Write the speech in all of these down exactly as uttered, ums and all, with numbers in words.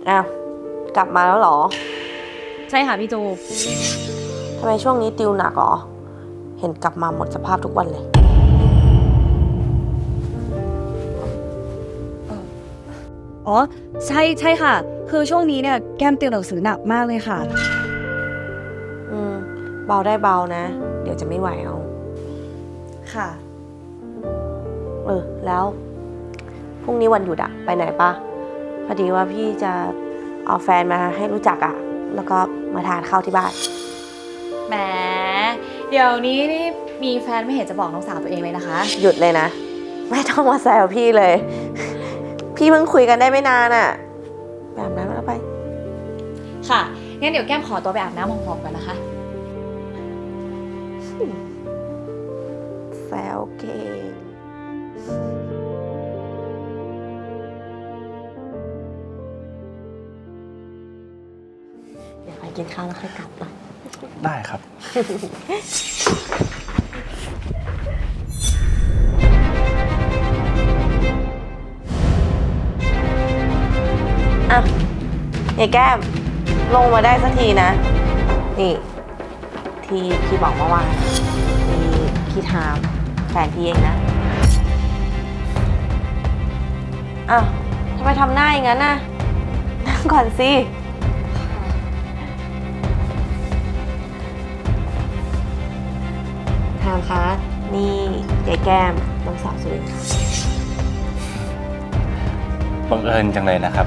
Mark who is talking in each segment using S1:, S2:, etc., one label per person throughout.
S1: อ้าวกลับมาแล้วเหรอ
S2: ใช่ค่ะพี่จู
S1: ทำไมช่วงนี้ติวหนักเหรอเห็นกลับมาหมดสภาพทุกวันเลย
S2: อ๋อใช่ใช่ค่ะ คือช่วงนี้เนี่ยแก้มติวหนังสือหนักมากเลยค่ะ
S1: อืมเบาได้เบานะเดี๋ยวจะไม่ไหวเอา
S2: ค่ะ
S1: เออแล้วพรุ่งนี้วันหยุดอะไปไหนปะพอดีว่าพี่จะเอาแฟนมาให้รู้จักอะแล้วก็มาทานข้าวที่บ้าน
S2: แหมเดี๋ยวนี้นี่มีแฟนไม่เห็นจะบอกน้องสาวตัวเองเลยนะคะ
S1: หยุดเลยนะไม่ต้องมาแซวพี่เลย พี่เพิ่งคุยกันได้ไม่นานอะแบบนั้นแล้วไป
S2: ค่ะงั้นเดี๋ยวแก้มขอตัวไปอาบน้ำหอมๆก่อนนะคะ
S1: แซวเก่งเดี๋ยวไปกินข้าวแล้วค่อยกลับนะ
S3: ได้ครับ
S1: อ่ะยายแก้มลงมาได้สักทีนะนี่ที่พี่บอกเมื่อวานมีพี่ทามแฟนพี่เองนะอ้าวทำไมทำหน้าอย่างนั้นน่ะนั่งก่อนสิทามคะนี่ยายแก้มน้องสาวสุรินทร์ค่ะ
S3: บังเอิญจังเลยนะครับ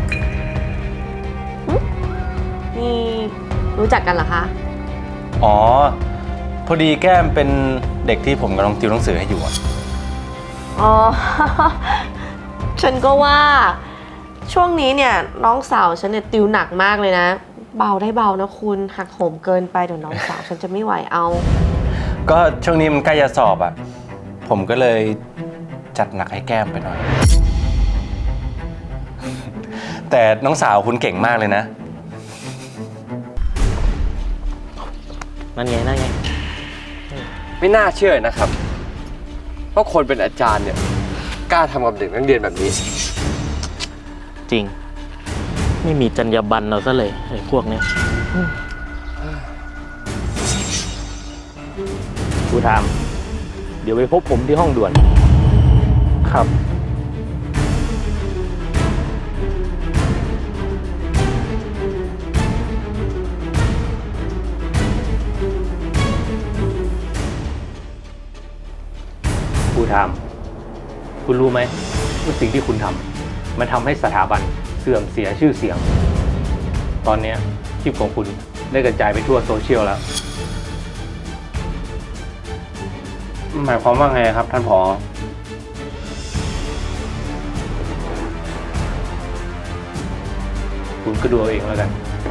S1: นี่รู้จักกันเหรอคะ
S3: อ๋อพอดีแก้มเป็นเด็กที่ผมกำลังติวหนังสือให้อยู่อะ
S1: อ๋อ ฉันก็ว่าช่วงนี้เนี่ยน้องสาวฉันเนี่ยติวหนักมากเลยนะเบาได้เบานะคุณหักโหมเกินไปเดี๋ยวน้องสาวฉันจะไม่ไหวเอา
S3: ก็ช่วงนี้มันใกล้จะสอบอะผมก็เลยจัดหนักให้แก้มไปหน่อย แต่น้องสาวคุณเก่งมากเลยนะ
S4: นั่นไงนั่นไง
S5: ไม่น่าเชื่อนะครับว่าคนเป็นอาจารย์เนี่ยกล้าทำกับเด็กนักเรียนแบบนี้
S4: จริงไม่มีจรรยาบรรณเราซะเลยไอ้พวกนี้ครูถามเดี๋ยวไปพบผมที่ห้องด่วนครับครูถามคุณรู้ไหมว่าสิ่งที่คุณทำมันทำให้สถาบันเสื่อมเสียชื่อเสียงตอนนี้คลิปของคุณได้กระจายไปทั่วโซเชียลแล้วหมายความว่าไงครับท่านผอ.คุณก็ดูเอาเองแล้วกัน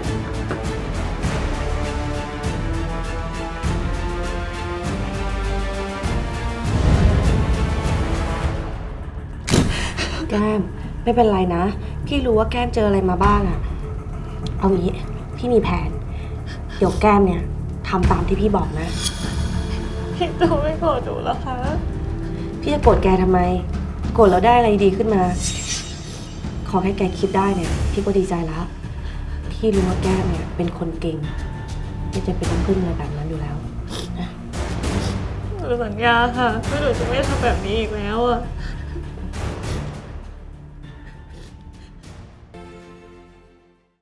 S1: แก้มไม่เป็นไรนะพี่รู้ว่าแก้มเจออะไรมาบ้างอะเอางี้พี่มีแผนเดี๋ยวแก้มเนี่ยทำตามที่พี่บอกนะ
S2: พี่จูไม่โกรธหนูแล้วคะ
S1: พี่จะโกรธแกทำไมโกรธแล้วได้อะไรดีขึ้นมาขอแค่แกคิดได้เนี่ยพี่ก็ดีใจแล้วพี่รู้ว่าแก้มเนี่ยเป็นคนเก่งไม่จะเป็นน้ำพึ่งอะไรแบบนั้นอยู่แล้ว
S2: หนูสัญญาค่ะว่าหนูจะไม่ทำแบบนี้อีกแล้วอะ